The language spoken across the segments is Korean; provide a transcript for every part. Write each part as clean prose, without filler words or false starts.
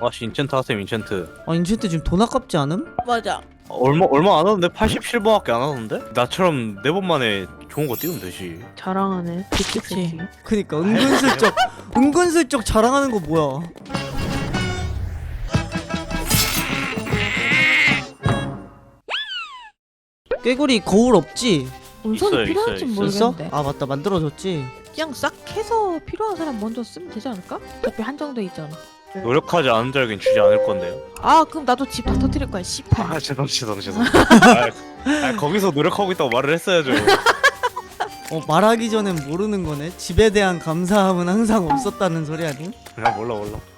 아씨 인챈트 하셈 인챈트. 아 인챈트 지금 돈 아깝지 않음? 맞아. 얼마 안 하던데? 87번밖에 안 하던데? 나처럼 4번 만에 좋은 거 띄우면 되지. 자랑하네. 그치. 그니까 은근슬쩍 자랑하는 거 뭐야. 꾀구리 거울 없지? 운석이 있어요, 필요할지 있어요, 있어? 모르겠는데. 아 맞다 만들어줬지. 그냥 싹 해서 필요한 사람 먼저 쓰면 되지 않을까? 어차피 한정돼 있잖아. 노력하지 않은 자에겐 주지 않을 건데요. 아 그럼 나도 집 다 터뜨릴 거야. 씨발. 아 죄송. 거기서 노력하고 있다고 말을 했어야죠. 말하기 전엔 모르는 거네. 집에 대한 감사함은 항상 없었다는 소리 아니? 그냥 몰라.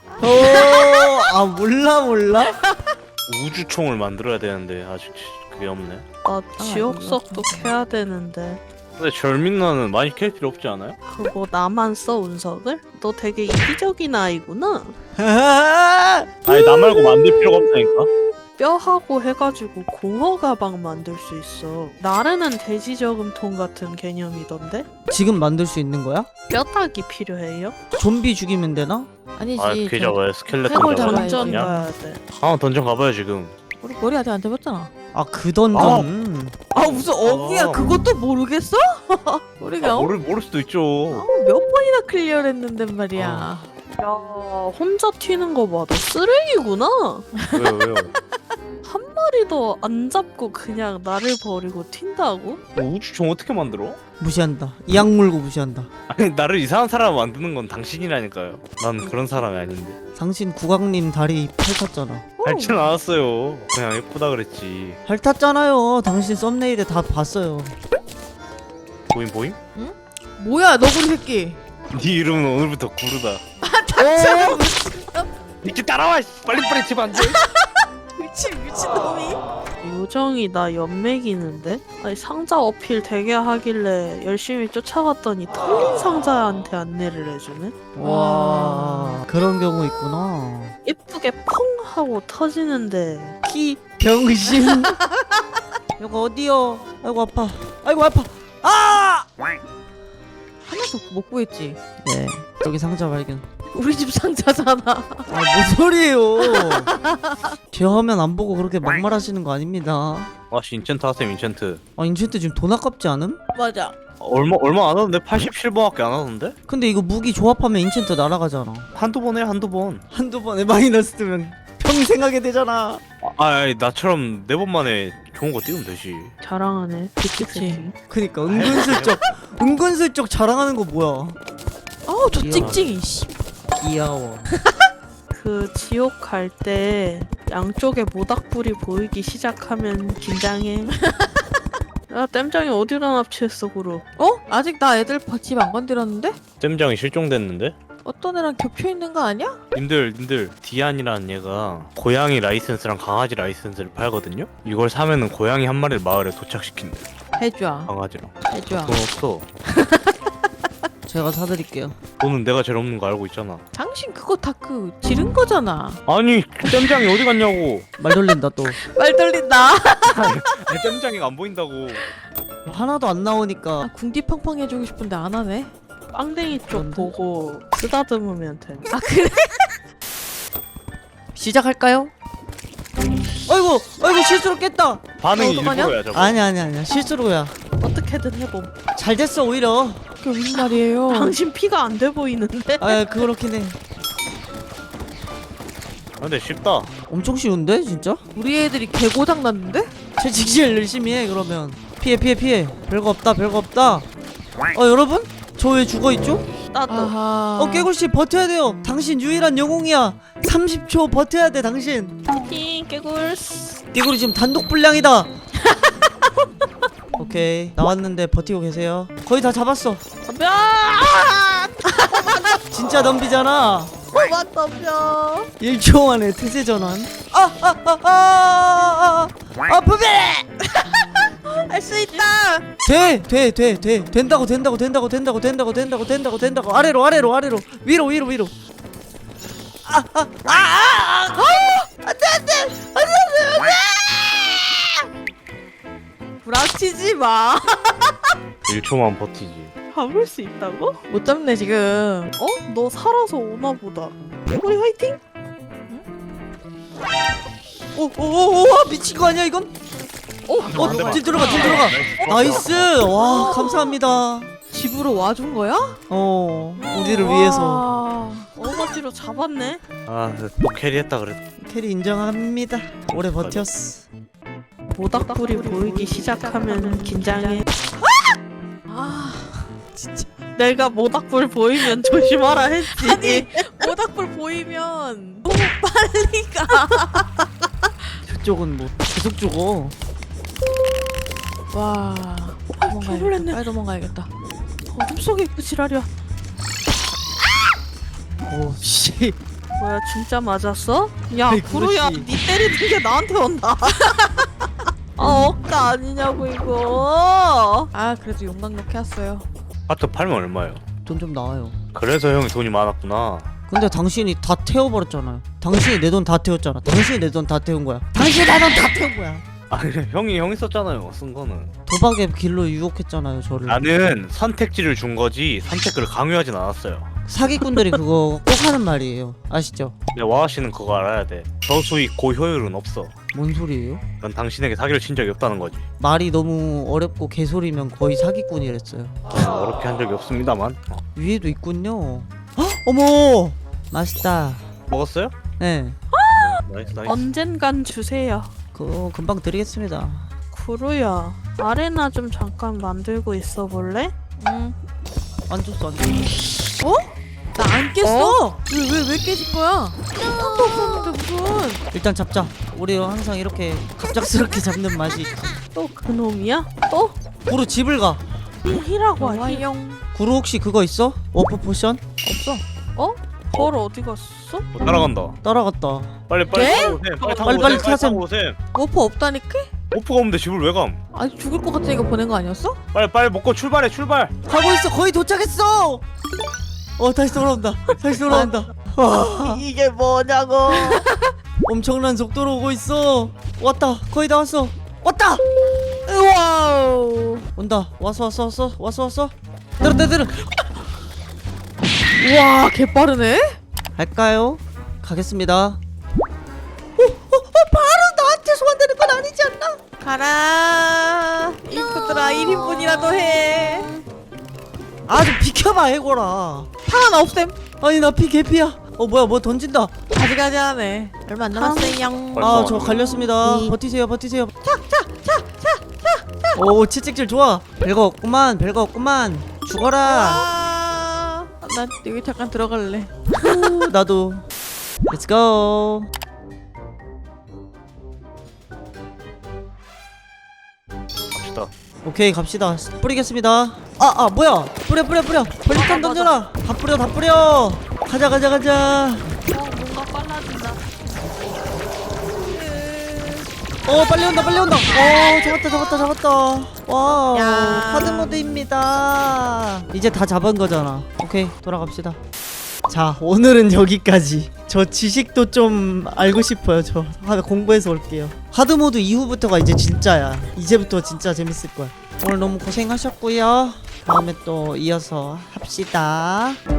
아 몰라? 우주총을 만들어야 되는데 아직 그게 없네. 나 지옥석도 캐야 되는데 근데 절민나는 많이 캘 필요 없지 않아요? 그거 나만 써 운석을? 너 되게 이기적인 아이구나. 아니 나 말고 만들 필요가 없다니까. 뼈하고 해가지고 공허 가방 만들 수 있어. 나르는 돼지 저금통 같은 개념이던데? 지금 만들 수 있는 거야? 뼈다귀 필요해요? 좀비 죽이면 되나? 아니지. 아 그게 잡아야 스켈레톤 해골 잡아야 잡아야지. 던전 되냐? 가야 돼. 하나 던전 가봐요 지금. 우리 머리 아직 안 잡았잖아. 아 그 던전. 아 무슨 어귀야? 아. 그것도 모르겠어? 우리가 모를 수도 있죠. 몇 번이나 클리어를 했는데 말이야. 야 혼자 튀는 거 봐. 너 쓰레기구나. 왜요? 한 마리도 안 잡고 그냥 나를 버리고 튄다고? 우주총 어떻게 만들어? 무시한다. 이악 물고 무시한다. 아니 나를 이상한 사람 만드는 건 당신이라니까요. 난 그런 사람이 아닌데. 당신 국왕님 다리 핥았잖아. 밟지는 않았어요. 그냥 예쁘다 그랬지. 핥았잖아요. 당신 썸네일에 다 봤어요. 보임? 뭐야 너구리 새끼. 네 이름은 오늘부터 구르다. 닥쳐. 이렇게 따라와. 빨리 집 안 돼. 미친놈이. 요정이 나 연맥이는데? 아니 상자 어필 되게 하길래 열심히 쫓아갔더니 털린 상자한테 안내를 해주네? 와 그런 경우 있구나. 예쁘게 펑 하고 터지는데 키 병신. 이거 어디요? 아이고 아파. 아이고 아파. 아! 하나도 못 구했지. 네 여기 상자 발견. 우리 집 상자잖아. 아뭔 소리예요? 제 화면 안 보고 그렇게 막말하시는 거 아닙니다. 아씨 인챈트 하셈 인챈트. 아 인챈트 지금 돈 아깝지 않음? 맞아. 얼마 안 하던데? 87번밖에 안 하던데? 근데 이거 무기 조합하면 인챈트 날아가잖아. 한두 번 해 한두 번. 한두 번에 마이너스 뜨면 평생 하게 되잖아. 아니 나처럼 4번 만에 좋은 거 띄우면 되지. 자랑하네. 그치. 그니까 은근슬쩍 자랑하는 거 뭐야. 아우 저 귀여워. 찍찍이 씨. 귀여워. 그 지옥 갈 때 양쪽에 모닥불이 보이기 시작하면 긴장해. 야 땜장이 어디다 납치했어 그루? 어? 아직 나 애들 집 안 건드렸는데? 쌤장이 실종됐는데? 어떤 애랑 겹쳐 있는 거 아니야? 님들 디안이라는 얘가 고양이 라이센스랑 강아지 라이센스를 팔거든요? 이걸 사면은 고양이 한 마리를 마을에 도착시킨대. 해줘. 강아지랑. 해줘. 돈 없어. 제가 사드릴게요. 돈은 내가 제일 없는 거 알고 있잖아. 당신 그거 다 그 지른 거잖아. 아니 쌤장이 어디 갔냐고. 말 돌린다 또. 말 돌린다. 아니 쌤장이가 안 보인다고. 하나도 안 나오니까. 아, 궁디팡팡 해주고 싶은데 안 하네. 빵댕이 쪽 그런데? 보고 쓰다듬으면 돼. 아 그래? 시작할까요? 아이고 실수로 깼다. 반응이 어떡하냐? 일부러야 저거. 아니야 실수로야. 어떻게든 해봄. 잘 됐어 오히려. 그게 무슨 말이에요? 당신 피가 안 돼 보이는데? 아 그렇긴 해. 근데 쉽다. 엄청 쉬운데 진짜? 우리 애들이 개고장 났는데? 채찍 제일 열심히 해 그러면. 피해. 별거 없다. 여러분? 저 왜 죽어있죠? 나도. 아하. 깨굴씨 버텨야 돼요. 당신 유일한 영웅이야. 30초 버텨야 돼 당신. 파이팅 깨굴스. 깨굴이 지금 단독 불량이다. 오케이 나왔는데 버티고 계세요. 거의 다 잡았어. 덤벼! 진짜 덤비잖아. 그만 덤벼. 1초 만에 태세 전환. 부비! 할 수 있다. 된다고. 아래로 위로. 부락치지 마. 1초만 버티지. 잡을 수 있다고? 못 잡네 지금. 어? 너 살아서 오나 보다. 우리 화이팅? 오오오오 미친 거 아니야 이건? 딜 들어가 딜 들어가. 나이스. 와 감사합니다. 집으로 와준 거야? 우리를 위해서. 와. 어거지로 잡았네. 아또 캐리했다 그래도. 캐리 인정합니다. 오래 버텼어. 모닥불이 보이기 시작하면 긴장해. 아, 진짜. 내가 모닥불 보이면 조심하라 했지. 아니 모닥불 보이면 너무 빨리 가. 저쪽은 뭐 계속 죽어. 와, 놀랐네. 빨리 도망가야겠다. 어둠 속에 있고 지랄이야. 오 씨. 뭐야 진짜 맞았어? 야 아이, 구루야 그렇지. 니 때리는 게 나한테 온다. 억까 아니냐고 이거. 아, 그래도 용광로 켰어요. 하트 팔면 얼마예요? 돈 좀 나와요. 그래서 형이 돈이 많았구나. 근데 당신이 다 태워버렸잖아요. 당신이 내 돈 다 태웠잖아. 당신이 내 돈 다 태운 거야. 당신이 내 돈 다 태운 거야. 아니 형이 썼잖아요. 쓴 거는. 도박의 길로 유혹했잖아요 저를. 나는 선택지를 준 거지 선택을 강요하진 않았어요. 사기꾼들이 그거 꼭 하는 말이에요. 아시죠? 근데 와아 씨는 그거 알아야 돼. 저수익 고효율은 없어. 뭔 소리예요? 넌 당신에게 사기를 친 적이 없다는 거지. 말이 너무 어렵고 개소리면 거의 사기꾼이랬어요. 어렵게 한 적이 없습니다만. 위에도 있군요. 헉! 어머! 맛있다. 먹었어요? 네. 나이스 나이스. 언젠간 주세요. 그거 금방 드리겠습니다. 구루야 아레나 좀 잠깐 만들고 있어 볼래? 응. 안 줬어 안 줬어. 나 안 깼어. 왜 깨진 거야? 턱도 없었는데 무슨? 일단 잡자. 우리 항상 이렇게 갑작스럽게 잡는 맛이 있지. 또 그놈이야? 또? 구루 집을 가. 힐이라고 하니? 와용. 구루 혹시 그거 있어? 워프 포션? 없어. 벌 어디 갔어? 따라간다. 따라갔다. 빨리 네? 타고 오셈. 빨리 타고 빨리, 오셈. 빨리 빨리 타셈. 타고 오셈. 워프 없다니까? 오프가 없는데 집을 왜 감? 아니 죽을 것 같으니까 보낸 거 아니었어? 빨리 먹고 출발해 출발. 가고 있어. 거의 도착했어. 다시 돌아온다. 다시 돌아온다. 와, 이게 뭐냐고. 엄청난 속도로 오고 있어. 왔다. 거의 다 왔어. 왔다. 와우. 온다. 왔어. 때려. 우와, 개빠르네. 갈까요? 가겠습니다. 바로 나한테 소환되는 건 아니지 않나? 가라. 인프들아 1인분이라도 해. 아 좀 비켜봐 해고라. 파 하나 없앰. 아니 나 피 개피야. 뭐야 뭐 던진다. 가지가지 하네. 얼마 안 남았어요. 벌써 저 왔네. 갈렸습니다. 버티세요. 오 채찍질 좋아. 별거 없구만. 죽어라. 아, 난 여기 잠깐 들어갈래. 나도. Let's go. 갑시다. 오케이 갑시다. 뿌리겠습니다. 뭐야? 뿌려. 벌리탄 던져라. 다 뿌려. 가자. 뭔가 빨라진다. 빨리 온다. 잡았다. 와, 야. 하드 모드입니다. 이제 다 잡은 거잖아. 오케이, 돌아갑시다. 자, 오늘은 여기까지. 저 지식도 좀 알고 싶어요. 저 공부해서 올게요. 하드 모드 이후부터가 이제 진짜야. 이제부터 진짜 재밌을 거야. 오늘 너무 고생하셨고요. 다음에 또 이어서 합시다.